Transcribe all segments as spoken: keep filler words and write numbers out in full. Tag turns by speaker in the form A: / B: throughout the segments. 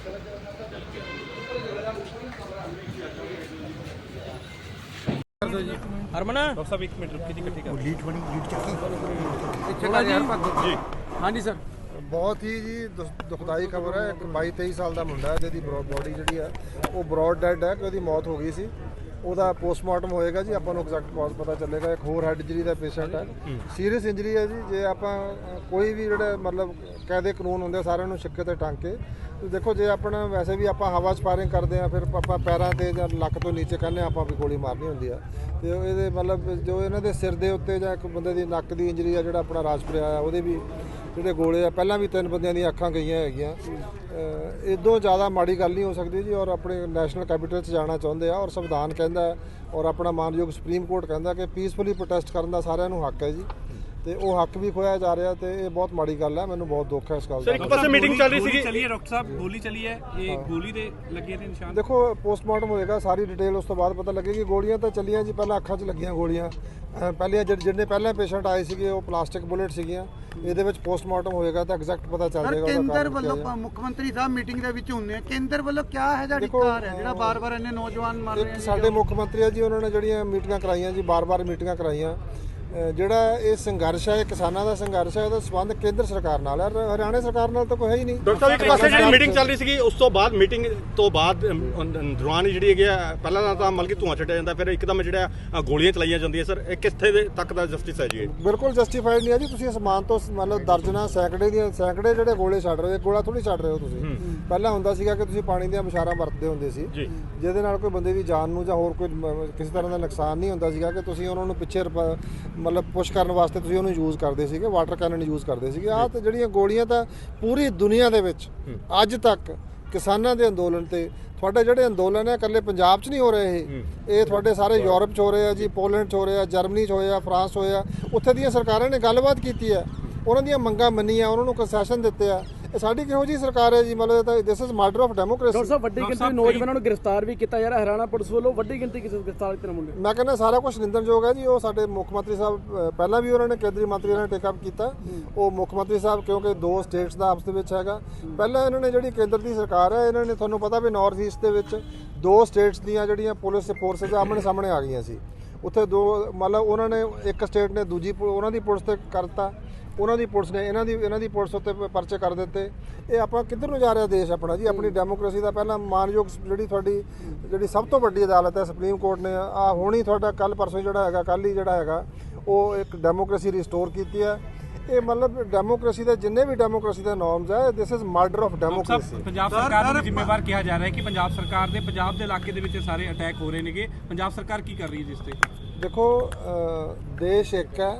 A: Harman doctor साहब एक minute रुकिए, इकट्ठी कर लीड बनी लीड
B: ਚੱਕੀ
A: जी। हाँ जी सर।
B: ਬਹੁਤ ਹੀ ਜੀ ਦੁ- ਦੁਖਦਾਈ ਖਬਰ ਹੈ। ਇੱਕ ਬਾਈ ਤੇਈ ਸਾਲ ਦਾ ਮੁੰਡਾ ਹੈ ਜਿਹਦੀ ਬੋਡੀ ਜਿਹੜੀ ਹੈ ਉਹ ਬਰੋਡ ਡੈਡ ਹੈ ਕਿ ਉਹਦੀ ਮੌਤ ਹੋ ਗਈ ਸੀ। ਉਹਦਾ ਪੋਸਟਮਾਰਟਮ ਹੋਏਗਾ ਜੀ, ਆਪਾਂ ਨੂੰ ਐਗਜ਼ੈਕਟ ਕਾਜ਼ ਪਤਾ ਚੱਲੇਗਾ। ਇੱਕ ਹੋਰ ਹੈਡ ਇੰਜਰੀ ਦਾ ਪੇਸ਼ੈਂਟ ਹੈ, ਸੀਰੀਅਸ ਇੰਜਰੀ ਹੈ ਜੀ। ਜੇ ਆਪਾਂ ਅ, ਕੋਈ ਵੀ ਜਿਹੜੇ ਮਤਲਬ ਕਾਇਦੇ ਕਾਨੂੰਨ ਹੁੰਦੇ ਸਾਰਿਆਂ ਨੂੰ ਸਿੱਕੇ ਤੇ ਟੰਗ ਕੇ ਤੇ ਦੇਖੋ, ਜੇ ਆਪਣਾ ਵੈਸੇ ਵੀ ਆਪਾਂ ਹਵਾ 'ਚ ਫਾਇਰਿੰਗ ਕਰਦੇ ਆ, ਫਿਰ ਆਪਾਂ ਪੈਰਾਂ ਤੇ ਜਾਂ ਲੱਕ ਤੋਂ ਨੀਚੇ ਕਹਿੰਦੇ ਆਪਾਂ ਵੀ ਗੋਲੀ ਮਾਰਨੀ ਹੁੰਦੀ ਆ। ਤੇ ਇਹਦੇ ਮਤਲਬ ਜੋ ਇਹਨਾਂ ਦੇ ਸਿਰ ਦੇ ਉੱਤੇ ਜਾਂ ਇੱਕ ਬੰਦੇ ਦੀ ਨੱਕ ਦੀ ਇੰਜਰੀ ਆ, ਜਿਹੜਾ ਆਪਣਾ ਰਾਜਪੁਰਿਆ ਆ, ਉਹਦੇ ਵੀ ਜਿਹੜੇ ਗੋਲੇ ਆ, ਪਹਿਲਾਂ ਵੀ ਤਿੰਨ ਬੰਦਿਆਂ ਦੀਆਂ ਅੱਖਾਂ ਗਈਆਂ ਹੈਗੀਆਂ। ਇਦੋਂ ਜ਼ਿਆਦਾ ਮਾੜੀ ਗੱਲ ਨਹੀਂ ਹੋ ਸਕਦੀ ਜੀ। ਔਰ ਆਪਣੇ ਨੈਸ਼ਨਲ ਕੈਪੀਟਲ 'ਚ ਜਾਣਾ ਚਾਹੁੰਦੇ ਆ, ਔਰ ਸੰਵਿਧਾਨ ਕਹਿੰਦਾ ਔਰ ਆਪਣਾ ਮਾਨਯੋਗ ਸੁਪਰੀਮ ਕੋਰਟ ਕਹਿੰਦਾ ਕਿ ਪੀਸਫੁਲੀ ਪ੍ਰੋਟੈਸਟ ਕਰਨ ਦਾ ਸਾਰਿਆਂ ਨੂੰ ਹੱਕ ਹੈ ਜੀ। ਤੇ ਉਹ ਹੱਕ ਵੀ ਖੋਇਆ ਜਾ ਰਿਹਾ ਤੇ ਇਹ ਬਹੁਤ ਮਾੜੀ ਗੱਲ ਹੈ। ਮੈਨੂੰ ਬਹੁਤ ਦੁੱਖ ਹੈ ਇਸ ਗੱਲ ਦਾ।
A: ਸਰ ਇੱਕ ਪਾਸੇ ਮੀਟਿੰਗ ਚੱਲ ਰਹੀ ਸੀ ਚੱਲੀ ਹੈ ਡਾਕਟਰ ਸਾਹਿਬ, ਗੋਲੀ ਚੱਲੀ ਹੈ, ਇਹ ਗੋਲੀ ਦੇ ਲੱਗੇ ਨੇ ਨਿਸ਼ਾਨ।
B: ਦੇਖੋ ਪੋਸਟਮਾਰਟਮ ਹੋਏਗਾ, ਸਾਰੀ ਡਿਟੇਲ ਉਸ ਤੋਂ ਬਾਅਦ ਪਤਾ ਲੱਗੇਗੀ। ਗੋਲੀਆਂ ਤਾਂ ਚੱਲੀਆਂ ਜੀ, ਪਹਿਲਾਂ ਅੱਖਾਂ 'ਚ ਲੱਗੀਆਂ ਗੋਲੀਆਂ। ਪਹਿਲੇ ਜਿਹੜੇ ਪਹਿਲਾਂ ਪੇਸ਼ੈਂਟ ਆਏ ਸੀਗੇ ਉਹ ਪਲਾਸਟਿਕ ਬੁਲੇਟ ਸੀਗੀਆਂ। ਇਹਦੇ ਵਿੱਚ ਪੋਸਟਮਾਰਟਮ ਹੋਏਗਾ ਤਾਂ ਐਗਜ਼ੈਕਟ ਪਤਾ ਚੱਲ ਜਾਏਗਾ।
C: ਕੇਂਦਰ ਵੱਲੋਂ ਮੁੱਖ ਮੰਤਰੀ ਸਾਹਿਬ ਮੀਟਿੰਗ ਦੇ ਵਿੱਚ ਹੁੰਦੇ ਆ, ਕੇਂਦਰ ਵੱਲੋਂ ਕਿਆ ਹੈ ਜਿਹੜੀ ਕਾਰ ਹੈ ਜਿਹੜਾ ਬਾਰ-ਬਾਰ ਇੰਨੇ ਨੌਜਵਾਨ ਮਰ ਰਹੇ
B: ਇੱਕ
C: ਨੇ?
B: ਸਾਡੇ ਮੁੱਖ ਮੰਤਰੀ ਆ ਜੀ, ਉਹਨਾਂ ਨੇ ਜਿਹੜੀਆਂ ਮੀਟਿੰਗਾਂ ਕਰਾਈਆਂ ਜੀ, ਬਾਰ-ਬਾਰ ਮੀਟਿੰਗਾਂ ਕਰਾਈਆਂ। ਜਿਹੜਾ ਇਹ ਸੰਘਰਸ਼ ਹੈ, ਇਹ ਕਿਸਾਨਾਂ ਦਾ ਸੰਘਰਸ਼ ਹੈ, ਉਹਦਾ ਸੰਬੰਧ ਕੇਂਦਰ ਸਰਕਾਰ ਨਾਲ ਹੈ, ਹਰਿਆਣਾ ਸਰਕਾਰ ਨਾਲ ਤਾਂ ਕੋਈ ਹੈ ਹੀ ਨਹੀਂ।
A: ਡਾਕਟਰ ਸਾਹਿਬ ਇੱਕ ਪਾਸੇ ਜਿਹੜੀ ਮੀਟਿੰਗ ਚੱਲ ਰਹੀ ਸੀਗੀ, ਉਸ ਤੋਂ ਬਾਅਦ ਮੀਟਿੰਗ ਤੋਂ ਬਾਅਦ ਦੌਰਾਨ ਜਿਹੜੀ ਹੈਗੀ ਆ, ਪਹਿਲਾਂ ਤਾਂ ਮਤਲਬ ਕਿ ਧੂੰਆਂ ਛੱਡਿਆ ਜਾਂਦਾ, ਫਿਰ ਇੱਕਦਮ ਜਿਹੜਾ ਗੋਲੀਆਂ ਚਲਾਈਆਂ ਜਾਂਦੀਆਂ। ਸਰ ਇਹ ਕਿੱਥੇ ਦੇ ਤੱਕ ਦਾ ਜਸਟਿਸ ਹੈ ਜੀ?
B: ਬਿਲਕੁਲ ਜਸਟੀਫਾਈਡ ਨਹੀਂ ਹੈ ਜੀ। ਤੁਸੀਂ ਅਸਮਾਨ ਤੋਂ ਮਤਲਬ ਦਰਜਨਾਂ ਸੈਂਕੜੇ ਦੀਆਂ ਸੈਂਕੜੇ ਜਿਹੜੇ ਗੋਲੇ ਛੱਡ ਰਹੇ ਹੋ, ਗੋਲਾ ਥੋੜੀ ਛੱਡ ਰਹੇ ਹੋ ਤੁਸੀਂ। ਪਹਿਲਾਂ ਹੁੰਦਾ ਸੀਗਾ ਕਿ ਤੁਸੀਂ ਪਾਣੀ ਦੀਆਂ ਬੁਛਾਰਾਂ ਵਰਤਦੇ ਹੁੰਦੇ ਸੀ, ਜਿਹਦੇ ਨਾਲ ਕੋਈ ਬੰਦੇ ਦੀ ਜਾਨ ਨੂੰ ਜਾਂ ਹੋਰ ਕੋਈ ਕਿਸੇ ਤਰ੍ਹਾਂ ਦਾ ਨੁਕਸਾਨ ਨਹੀਂ ਹੁੰਦਾ ਸੀਗਾ, ਕਿ ਤੁਸੀਂ ਉਹਨਾਂ ਨੂੰ ਪਿੱਛੇ ਮਤਲਬ ਪੁਸ਼ ਕਰਨ ਵਾਸਤੇ ਤੁਸੀਂ ਉਹਨੂੰ ਯੂਜ਼ ਕਰਦੇ ਸੀਗੇ, ਵਾਟਰ ਕੈਨਨ ਯੂਜ਼ ਕਰਦੇ ਸੀਗੇ। ਆਹ ਤੇ ਜਿਹੜੀਆਂ ਗੋਲੀਆਂ ਤਾਂ ਪੂਰੀ ਦੁਨੀਆ ਦੇ ਵਿੱਚ ਅੱਜ ਤੱਕ ਕਿਸਾਨਾਂ ਦੇ ਅੰਦੋਲਨ ਤੇ ਤੁਹਾਡੇ ਜਿਹੜੇ ਅੰਦੋਲਨ ਹੈ ਇਕੱਲੇ ਪੰਜਾਬ 'ਚ ਨਹੀਂ ਹੋ ਰਹੇ, ਇਹ ਇਹ ਤੁਹਾਡੇ ਸਾਰੇ ਯੂਰਪ 'ਚ ਹੋ ਰਹੇ ਆ ਜੀ, ਪੋਲੈਂਡ 'ਚ ਹੋ ਰਹੇ ਆ, ਜਰਮਨੀ 'ਚ ਹੋਏ ਆ, ਫਰਾਂਸ ਹੋਏ ਆ। ਉੱਥੇ ਦੀਆਂ ਸਰਕਾਰਾਂ ਨੇ ਗੱਲਬਾਤ ਕੀਤੀ ਹੈ, ਉਹਨਾਂ ਦੀਆਂ ਮੰਗਾਂ ਮੰਨੀਆਂ, ਉਹਨਾਂ ਨੂੰ ਕੰਸੈਸ਼ਨ ਦਿੱਤੇ ਆ। ਇਹ ਸਾਡੀ ਕਿਹੋ ਜਿਹੀ ਸਰਕਾਰ ਹੈ ਜੀ? ਮਤਲਬ ਤਾਂ this is murder of democracy.
D: Doctor ਸਾਹਿਬ ਵੱਡੀ ਗਿਣਤੀ ਨੌਜਵਾਨਾਂ ਨੂੰ ਗ੍ਰਿਫਤਾਰ ਵੀ ਕੀਤਾ ਯਾਰ, ਹਰਿਆਣਾ ਪੁਲਿਸ ਵੱਲੋਂ ਵੱਡੀ ਗਿਣਤੀ ਕਿਸੇ ਗ੍ਰਿਫਤਾਰ ਕੀਤੇ ਮੁੰਡੇ।
B: ਮੈਂ ਕਹਿੰਦਾ ਸਾਰਾ ਕੁਝ ਨਿੰਦਣਯੋਗ ਹੈ ਜੀ। ਉਹ ਸਾਡੇ ਮੁੱਖ ਮੰਤਰੀ ਸਾਹਿਬ ਪਹਿਲਾਂ ਵੀ ਉਹਨਾਂ ਨੇ ਕੇਂਦਰੀ ਮੰਤਰੀ ਨੇ ਟੇਕ ਅਪ ਕੀਤਾ। ਉਹ ਮੁੱਖ ਮੰਤਰੀ ਸਾਹਿਬ ਕਿਉਂਕਿ ਦੋ ਸਟੇਟਸ ਦਾ ਆਪਸ ਦੇ ਵਿੱਚ ਹੈਗਾ। ਪਹਿਲਾਂ ਇਹਨਾਂ ਨੇ ਜਿਹੜੀ ਕੇਂਦਰ ਦੀ ਸਰਕਾਰ ਹੈ, ਇਹਨਾਂ ਨੇ ਤੁਹਾਨੂੰ ਪਤਾ ਵੀ ਨਾਰਥ ਈਸਟ ਦੇ ਵਿੱਚ ਦੋ ਸਟੇਟਸ ਦੀਆਂ ਜਿਹੜੀਆਂ ਪੁਲਿਸ ਫੋਰਸਿਸ ਆਮਣੇ ਸਾਹਮਣੇ ਆ ਗਈਆਂ ਸੀ। ਉੱਥੇ ਦੋ ਮਤਲਬ ਉਹਨਾਂ ਨੇ ਇੱਕ ਸਟੇਟ ਨੇ ਦੂਜੀ ਉਹਨਾਂ ਦੀ ਪੁਲਿਸ ਤੇ ਕਰਤਾ, ਉਹਨਾਂ ਦੀ ਪੁਲਿਸ ਨੇ ਇਹਨਾਂ ਦੀ ਇਹਨਾਂ ਦੀ ਪੁਲਿਸ ਉੱਤੇ ਪਰਚੇ ਕਰ ਦਿੱਤੇ। ਇਹ ਆਪਾਂ ਕਿੱਧਰ ਨੂੰ ਜਾ ਰਿਹਾ ਦੇਸ਼ ਆਪਣਾ ਜੀ? ਆਪਣੀ ਡੈਮੋਕ੍ਰੇਸੀ ਦਾ ਪਹਿਲਾਂ ਮਾਨਯੋਗ ਜਿਹੜੀ ਤੁਹਾਡੀ ਜਿਹੜੀ ਸਭ ਤੋਂ ਵੱਡੀ ਅਦਾਲਤ ਹੈ ਸੁਪਰੀਮ ਕੋਰਟ ਨੇ ਆ ਹੁਣ ਹੀ ਤੁਹਾਡਾ ਕੱਲ ਪਰਸੋਂ ਜਿਹੜਾ ਹੈਗਾ ਕੱਲ ਹੀ ਜਿਹੜਾ ਹੈਗਾ ਉਹ ਇੱਕ ਡੈਮੋਕ੍ਰੇਸੀ ਰਿਸਟੋਰ ਕੀਤੀ ਹੈ। ਇਹ ਮਤਲਬ ਡੈਮੋਕ੍ਰੇਸੀ ਦੇ ਜਿੰਨੇ ਵੀ ਡੈਮੋਕ੍ਰੇਸੀ ਦੇ ਨੋਰਮਸ ਹੈ, this is murder of democracy.
A: Punjab ਸਰਕਾਰ ਨੂੰ ਜ਼ਿੰਮੇਵਾਰ ਕਿਹਾ ਜਾ ਰਿਹਾ ਹੈ ਕਿ ਪੰਜਾਬ ਸਰਕਾਰ ਦੇ ਪੰਜਾਬ ਦੇ ਇਲਾਕੇ ਦੇ ਵਿੱਚ ਸਾਰੇ ਅਟੈਕ ਹੋ ਰਹੇ ਨੇਗੇ। ਪੰਜਾਬ ਸਰਕਾਰ ਕੀ ਕਰ ਰਹੀ ਹੈ ਜਿਸ ਤੇ? ਦੇਖੋ
B: ਦੇਸ਼ ਇੱਕ ਹੈ।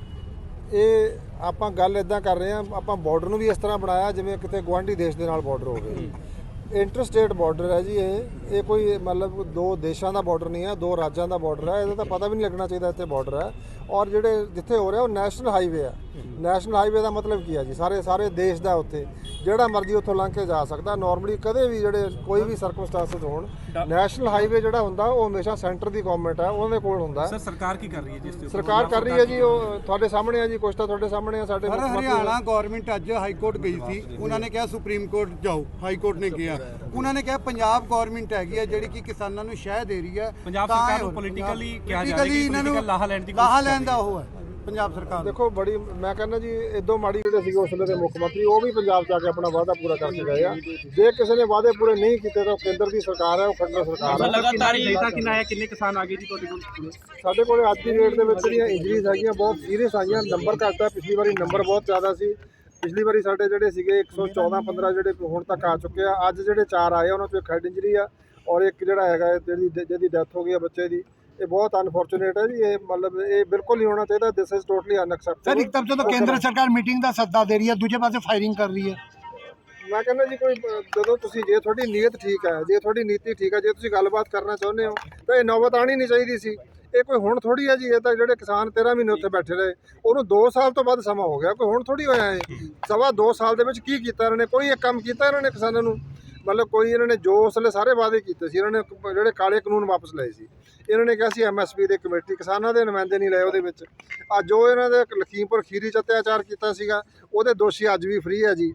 B: ਇਹ ਆਪਾਂ ਗੱਲ ਇਦਾਂ ਕਰ ਰਹੇ ਹਾਂ, ਆਪਾਂ ਬਾਰਡਰ ਨੂੰ ਵੀ ਇਸ ਤਰ੍ਹਾਂ ਬਣਾਇਆ ਜਿਵੇਂ ਕਿਤੇ ਗੁਆਂਢੀ ਦੇਸ਼ ਦੇ ਨਾਲ ਬਾਰਡਰ ਹੋਵੇ। ਇੰਟਰ ਸਟੇਟ ਬਾਰਡਰ ਹੈ ਜੀ ਇਹ ਇਹ ਕੋਈ ਮਤਲਬ ਦੋ ਦੇਸ਼ਾਂ ਦਾ ਬਾਰਡਰ ਨਹੀਂ ਹੈ, ਦੋ ਰਾਜਾਂ ਦਾ ਬਾਰਡਰ ਹੈ। ਇਹਦਾ ਤਾਂ ਪਤਾ ਵੀ ਨਹੀਂ ਲੱਗਣਾ ਚਾਹੀਦਾ ਇੱਥੇ ਬਾਰਡਰ ਹੈ। ਔਰ ਜਿਹੜੇ ਜਿੱਥੇ ਹੋ ਰਿਹਾ ਉਹ ਨੈਸ਼ਨਲ ਹਾਈਵੇ ਹੈ। ਨੈਸ਼ਨਲ ਹਾਈਵੇ ਦਾ ਮਤਲਬ ਕੀ ਹੈ ਜੀ? ਸਾਰੇ ਸਾਰੇ ਦੇਸ਼ ਦਾ ਉੱਥੇ ਜਿਹੜਾ ਮਰਜ਼ੀ ਉੱਥੋਂ ਲੰਘ ਕੇ ਜਾ ਸਕਦਾ। ਨਾਰਮਲੀ ਕਦੇ ਵੀ ਜਿਹੜੇ ਕੋਈ ਵੀ ਸਰਕਮਸਟੈਂਸਸ ਹੋਣ, ਨੈਸ਼ਨਲ ਹਾਈਵੇ ਜਿਹੜਾ ਹੁੰਦਾ ਉਹ ਹਮੇਸ਼ਾ ਸੈਂਟਰ ਦੀ ਗਵਰਨਮੈਂਟ ਹੈ, ਉਹਨਾਂ ਦੇ ਕੋਲ ਹੁੰਦਾ।
A: ਸਰ ਸਰਕਾਰ ਕੀ ਕਰ ਰਹੀ ਹੈ ਜਿਸ ਤੇ?
B: ਸਰਕਾਰ ਕਰ ਰਹੀ ਹੈ ਜੀ, ਉਹ ਤੁਹਾਡੇ ਸਾਹਮਣੇ ਹੈ ਜੀ, ਕੁਛ ਤਾਂ ਤੁਹਾਡੇ ਸਾਹਮਣੇ ਆ। ਸਾਡੇ
C: ਹਰਿਆਣਾ ਗਵਰਨਮੈਂਟ ਅੱਜ ਹਾਈ ਕੋਰਟ ਗਈ ਸੀ, ਉਹਨਾਂ ਨੇ ਕਿਹਾ ਸੁਪਰੀਮ ਕੋਰਟ ਜਾਓ, ਹਾਈ ਕੋਰਟ ਨੇ ਕਿਹਾ। ਉਹਨਾਂ ਨੇ ਕਿਹਾ ਪੰਜਾਬ ਗਵਰਨਮੈਂਟ ਹੈਗੀ ਹੈ ਜਿਹੜੀ ਕਿ ਕਿਸਾਨਾਂ ਨੂੰ ਸ਼ਹਿ ਦੇ ਰਹੀ ਹੈ।
A: ਪੰਜਾਬ ਸਰਕਾਰ ਨੂੰ ਪੋਲੀਟੀਕਲੀ ਕਿਹਾ ਜਾ ਰਿਹਾ ਹੈ ਕਿ ਲਾਹਾ ਲੈਣ ਦੀ
C: ਲਾਹਾ ਲੈਣ ਦਾ ਉਹ ਹੈ ਪੰਜਾਬ ਸਰਕਾਰ।
B: ਦੇਖੋ ਬੜੀ ਮੈਂ ਕਹਿੰਦਾ ਜੀ ਇਦੋਂ ਮਾੜੀ ਜਿਹੜੇ ਸੀਗੇ ਉਸ ਵੇਲੇ ਦੇ ਮੁੱਖ ਮੰਤਰੀ ਉਹ ਵੀ ਪੰਜਾਬ 'ਚ ਆ ਕੇ ਆਪਣਾ ਵਾਅਦਾ ਪੂਰਾ ਕਰਕੇ ਗਏ ਆ। ਜੇ ਕਿਸੇ ਨੇ ਵਾਅਦੇ ਪੂਰੇ ਨਹੀਂ ਕੀਤੇ ਤਾਂ ਕੇਂਦਰ ਦੀ ਸਰਕਾਰ ਹੈ, ਉਹ ਖੰਡਰ ਸਰਕਾਰ ਹੈ।
A: ਲਗਾਤਾਰ ਡੇਟਾ ਕਿੰਨਾ ਆਇਆ, ਕਿੰਨੇ ਕਿਸਾਨ ਆ ਗਏ ਜੀ ਤੁਹਾਡੇ ਕੋਲ?
B: ਸਾਡੇ ਕੋਲ ਅੱਜ ਦੀ ਡੇਟ ਦੇ ਵਿੱਚ ਜਿਹੜੀਆਂ ਇੰਜਰੀਜ਼ ਹੈਗੀਆਂ ਬਹੁਤ ਸੀਰੀਅਸ ਆਈਆਂ। ਨੰਬਰ ਘੱਟ ਹੈ, ਪਿਛਲੀ ਵਾਰੀ ਨੰਬਰ ਬਹੁਤ ਜ਼ਿਆਦਾ ਸੀ। ਪਿਛਲੀ ਵਾਰੀ ਸਾਡੇ ਜਿਹੜੇ ਸੀਗੇ ਇੱਕ ਸੌ ਚੌਦਾਂ ਪੰਦਰਾਂ ਜਿਹੜੇ ਹੁਣ ਤੱਕ ਆ ਚੁੱਕੇ ਆ। ਅੱਜ ਜਿਹੜੇ ਚਾਰ ਆਏ ਉਹਨਾਂ 'ਚੋਂ ਇੱਕ ਹੈਡ ਇੰਜਰੀ ਆ ਔਰ ਇੱਕ ਜਿਹੜਾ ਹੈਗਾ ਜਿਹੜੀ ਜਿਹਦੀ ਡੈਥ ਹੋ ਗਈ ਆ ਬੱਚੇ ਦੀ। ਇਹ ਬਹੁਤ ਅਨਫੋਰਚੂਨੇਟ ਹੈ ਜੀ। ਇਹ ਮਤਲਬ ਇਹ ਬਿਲਕੁਲ ਨਹੀਂ ਹੋਣਾ ਚਾਹੀਦਾ। This is totally unacceptable.
C: Sir ਇੱਕ ਤਰਫ ਤੋਂ ਕੇਂਦਰ ਸਰਕਾਰ ਮੀਟਿੰਗ ਦਾ ਸੱਦਾ ਦੇ ਰਹੀ ਹੈ, ਦੂਜੇ ਪਾਸੇ ਫਾਇਰਿੰਗ ਕਰ ਰਹੀ ਹੈ।
B: ਮੈਂ ਕਹਿੰਦਾ ਜੀ ਕੋਈ ਜਦੋਂ ਤੁਸੀਂ ਜੇ ਤੁਹਾਡੀ ਨੀਅਤ ਠੀਕ ਹੈ, ਜੇ ਤੁਹਾਡੀ ਨੀਤੀ ਠੀਕ ਹੈ, ਜੇ ਤੁਸੀਂ ਗੱਲਬਾਤ ਕਰਨਾ ਚਾਹੁੰਦੇ ਹੋ ਤਾਂ ਇਹ ਨੌਬਤ ਆਉਣੀ ਨਹੀਂ ਚਾਹੀਦੀ ਸੀ। ਇਹ ਕੋਈ ਹੁਣ ਥੋੜੀ ਹੈ ਜੀ। ਇਹ ਤਾਂ ਜਿਹੜੇ ਕਿਸਾਨ ਤੇਰਾਂ ਮਹੀਨੇ ਉੱਥੇ ਬੈਠੇ ਰਹੇ, ਉਹਨੂੰ ਦੋ ਸਾਲ ਤੋਂ ਵੱਧ ਸਮਾਂ ਹੋ ਗਿਆ। ਕੋਈ ਹੁਣ ਥੋੜੀ ਹੋਇਆ ਇਹ ਸਵਾ ਦੋ ਸਾਲ ਦੇ ਵਿੱਚ ਕੀ ਕੀਤਾ ਇਹਨਾਂ ਨੇ? ਕੋਈ ਇੱਕ ਕੰਮ ਕੀਤਾ ਇਹਨਾਂ ਨੇ ਕਿਸਾਨਾਂ ਨੂੰ? ਮਤਲਬ ਕੋਈ ਇਹਨਾਂ ਨੇ ਜੋ ਉਸ ਵੇਲੇ ਸਾਰੇ ਵਾਅਦੇ ਕੀਤੇ ਸੀ, ਇਹਨਾਂ ਨੇ ਜਿਹੜੇ ਕਾਲੇ ਕਾਨੂੰਨ ਵਾਪਸ ਲਏ ਸੀ। ਇਹਨਾਂ ਨੇ ਕਿਹਾ ਸੀ ਐਮ ਐਸ ਪੀ ਦੀ ਕਮੇਟੀ, ਕਿਸਾਨਾਂ ਦੇ ਨੁਮਾਇੰਦੇ ਨਹੀਂ ਲਏ ਉਹਦੇ ਵਿੱਚ। ਅੱਜ ਜੋ ਇਹਨਾਂ ਦੇ ਲਖੀਮਪੁਰ ਖੀਰੀ 'ਚ ਅਤਿਆਚਾਰ ਕੀਤਾ ਸੀਗਾ ਉਹਦੇ ਦੋਸ਼ੀ ਅੱਜ ਵੀ ਫ੍ਰੀ ਹੈ ਜੀ।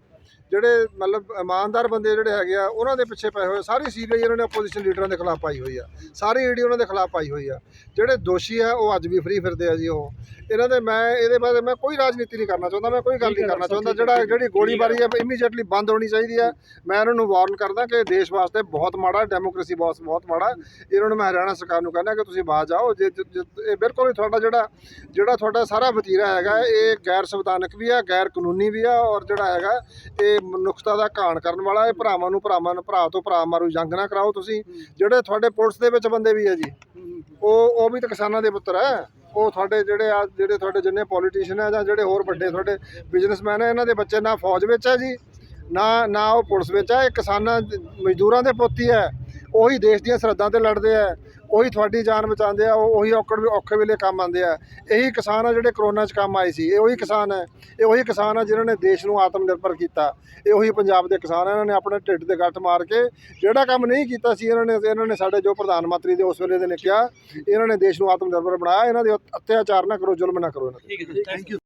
B: ਜਿਹੜੇ ਮਤਲਬ ਇਮਾਨਦਾਰ ਬੰਦੇ ਜਿਹੜੇ ਹੈਗੇ ਆ ਉਹਨਾਂ ਦੇ ਪਿੱਛੇ ਪਏ ਹੋਏ। ਸਾਰੀ ਸੀਬੀਆਈ ਇਹਨਾਂ ਨੇ ਆਪੋਜੀਸ਼ਨ ਲੀਡਰਾਂ ਦੇ ਖਿਲਾਫ ਪਾਈ ਹੋਈ ਆ, ਸਾਰੀ ਈਡੀ ਉਹਨਾਂ ਦੇ ਖਿਲਾਫ ਪਾਈ ਹੋਈ ਆ। ਜਿਹੜੇ ਦੋਸ਼ੀ ਆ ਉਹ ਅੱਜ ਵੀ ਫਰੀ ਫਿਰਦੇ ਆ ਜੀ। ਉਹ ਇਹਨਾਂ ਦੇ ਮੈਂ ਇਹਦੇ ਬਾਰੇ ਮੈਂ ਕੋਈ ਰਾਜਨੀਤੀ ਨਹੀਂ ਕਰਨਾ ਚਾਹੁੰਦਾ, ਮੈਂ ਕੋਈ ਗੱਲ ਨਹੀਂ ਕਰਨਾ ਚਾਹੁੰਦਾ। ਜਿਹੜਾ ਜਿਹੜੀ ਗੋਲੀਬਾਰੀ ਹੈ ਇਮੀਡੀਏਟਲੀ ਬੰਦ ਹੋਣੀ ਚਾਹੀਦੀ ਹੈ। ਮੈਂ ਇਹਨਾਂ ਨੂੰ ਵਾਰਨ ਕਰਦਾ ਕਿ ਦੇਸ਼ ਵਾਸਤੇ ਬਹੁਤ ਮਾੜਾ, ਡੈਮੋਕ੍ਰੇਸੀ ਬਹੁਤ ਬਹੁਤ ਮਾੜਾ। ਇਹਨਾਂ ਨੂੰ ਮੈਂ ਹਰਿਆਣਾ ਸਰਕਾਰ ਨੂੰ ਕਹਿੰਦਾ ਕਿ ਤੁਸੀਂ ਬਾਜ ਆਓ। ਜੇ ਇਹ ਬਿਲਕੁਲ ਹੀ ਤੁਹਾਡਾ ਜਿਹੜਾ ਜਿਹੜਾ ਤੁਹਾਡਾ ਸਾਰਾ ਵਤੀਰਾ ਹੈਗਾ ਇਹ ਗੈਰ ਸੰਵਿਧਾਨਕ ਵੀ ਆ, ਗੈਰ ਕਾਨੂੰਨੀ ਵੀ ਆ, ਔਰ ਜਿਹੜਾ ਹੈਗਾ ਇਹ ਮਨੁੱਖਤਾ ਦਾ ਘਾਣ ਕਰਨ ਵਾਲਾ। ਇਹ ਭਰਾਵਾਂ ਨੂੰ ਭਰਾਵਾਂ ਨੂੰ ਭਰਾ ਤੋਂ ਭਰਾ ਮਾਰੂ ਜੰਗ ਨਾ ਕਰਾਓ ਤੁਸੀਂ। ਜਿਹੜੇ ਤੁਹਾਡੇ ਪੁਲਿਸ ਦੇ ਵਿੱਚ ਬੰਦੇ ਵੀ ਆ ਜੀ, ਉਹ ਉਹ ਵੀ ਤਾਂ ਕਿਸਾਨਾਂ ਦੇ ਪੁੱਤਰ ਹੈ। ਉਹ ਤੁਹਾਡੇ ਜਿਹੜੇ ਆ ਜਿਹੜੇ ਤੁਹਾਡੇ ਜਿੰਨੇ ਪੋਲੀਟੀਸ਼ੀਅਨ ਆ ਜਾਂ ਜਿਹੜੇ ਹੋਰ ਵੱਡੇ ਤੁਹਾਡੇ ਬਿਜ਼ਨਸਮੈਨ ਆ, ਇਹਨਾਂ ਦੇ ਬੱਚੇ ਨਾ ਫੌਜ ਵਿੱਚ ਆ ਜੀ, ਨਾ ਨਾ ਉਹ ਪੁਲਿਸ ਵਿੱਚ ਆ। ਇਹ ਕਿਸਾਨਾਂ ਮਜ਼ਦੂਰਾਂ ਦੇ ਪੁੱਤ ਹੀ ਹੈ। ਉਹੀ ਦੇਸ਼ ਦੀਆਂ ਸਰਹੱਦਾਂ 'ਤੇ ਲੜਦੇ ਆ, ਉਹੀ ਤੁਹਾਡੀ ਜਾਨ ਬਚਾਉਂਦੇ ਆ, ਉਹ ਉਹੀ ਔਕੜ ਔਖੇ ਵੇਲੇ ਕੰਮ ਆਉਂਦੇ ਆ। ਇਹੀ ਕਿਸਾਨ ਆ ਜਿਹੜੇ ਕਰੋਨਾ 'ਚ ਕੰਮ ਆਏ ਸੀ। ਇਹ ਉਹੀ ਕਿਸਾਨ ਹੈ, ਇਹ ਉਹੀ ਕਿਸਾਨ ਆ ਜਿਨ੍ਹਾਂ ਨੇ ਦੇਸ਼ ਨੂੰ ਆਤਮ ਨਿਰਭਰ ਕੀਤਾ। ਇਹ ਉਹੀ ਪੰਜਾਬ ਦੇ ਕਿਸਾਨ ਆ। ਇਹਨਾਂ ਨੇ ਆਪਣੇ ਢਿੱਡ ਤੇ ਗੱਠ ਮਾਰ ਕੇ ਜਿਹੜਾ ਕੰਮ ਨਹੀਂ ਕੀਤਾ ਸੀ, ਇਹਨਾਂ ਨੇ ਇਹਨਾਂ ਨੇ ਸਾਡੇ ਜੋ ਪ੍ਰਧਾਨ ਮੰਤਰੀ ਦੇ ਉਸ ਵੇਲੇ ਦੇ ਨੇ ਕਿਹਾ, ਇਹਨਾਂ ਨੇ ਦੇਸ਼ ਨੂੰ ਆਤਮ ਨਿਰਭਰ ਬਣਾਇਆ। ਇਹਨਾਂ ਦੇ ਅਤਿਆਚਾਰ ਨਾ ਕਰੋ, ਜ਼ੁਲਮ ਨਾ ਕਰੋ। ਇਹਨਾਂ 'ਤੇ।
C: Thank you.